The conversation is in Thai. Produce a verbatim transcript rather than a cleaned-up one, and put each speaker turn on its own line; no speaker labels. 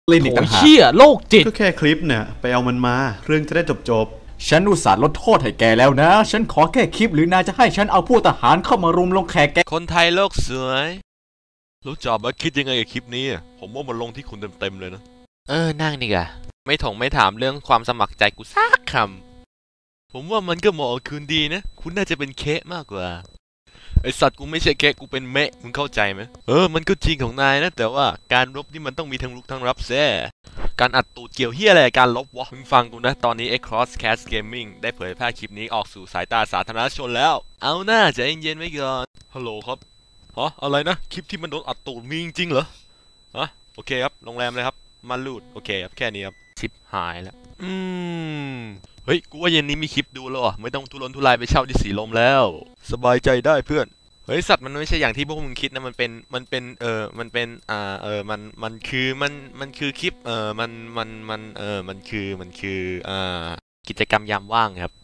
เล่นอีกต่างหาก
เชี่ยโรคจิต
ก็แค่คลิปเนี่ยไปเอามันมาเรื่องจะได้จบจบ
ฉันอุตส่าห์ลดโทษให้แกแล้วนะฉันขอแค่คลิปหรือนายจะให้ฉันเอาผู้ทหารเข้ามารุมลงแขกแก
คนไทยโลกสวยรู้จักว่าคิดยังไงกับคลิปนี้ผมว่ามันลงที่คุณเต็มๆเลยนะ
เออนั่งนี่กะ
ไม่ถงไม่ถามเรื่องความสมัครใจกูซักคำผมว่ามันก็เหมาะกับคุณดีนะคุณน่าจะเป็นเคะมากกว่าไอสัตว์กูไม่ใช่เคะกูเป็นเมะมึงเข้าใจไหมเออมันก็จริงของนายนะแต่ว่าการรบนี่มันต้องมีทั้งลุกทั้งรับแซ่การอัดตูดเกี่ยวเฮียอะไรการลบวะมึงฟังกูนะตอนนี้ Crosscast Gaming ได้เผยแพร่คลิปนี้ออกสู่สายตาสาธารณชนแล้วเอาหน้าใจเย็นๆไว้ก่อนฮัลโหลครับฮะอะไรนะคลิปที่มันโดนอัดตูดมีจริงๆเหรอฮะโอเคครับโรงแรมเลยครับมาลูดโอเคครับแค่นี้ครับชิปหายแล้วอืมเฮ้ยกูว่าเย็นนี้มีคลิปดูแล้วอ่ะไม่ต้องทุรนทุรายไปเช่าที่สีลมแล้วสบายใจได้เพื่อนเฮ้ยสัตว์มันไม่ใช่อย่างที่พวกมึงคิดนะมันเป็นมันเป็นเออมันเป็นอ่าเออมันมันคือมันมันคือคลิปเออมันมันมันเออมันคือมันคืออ่ากิจกรรมยามว่างครับ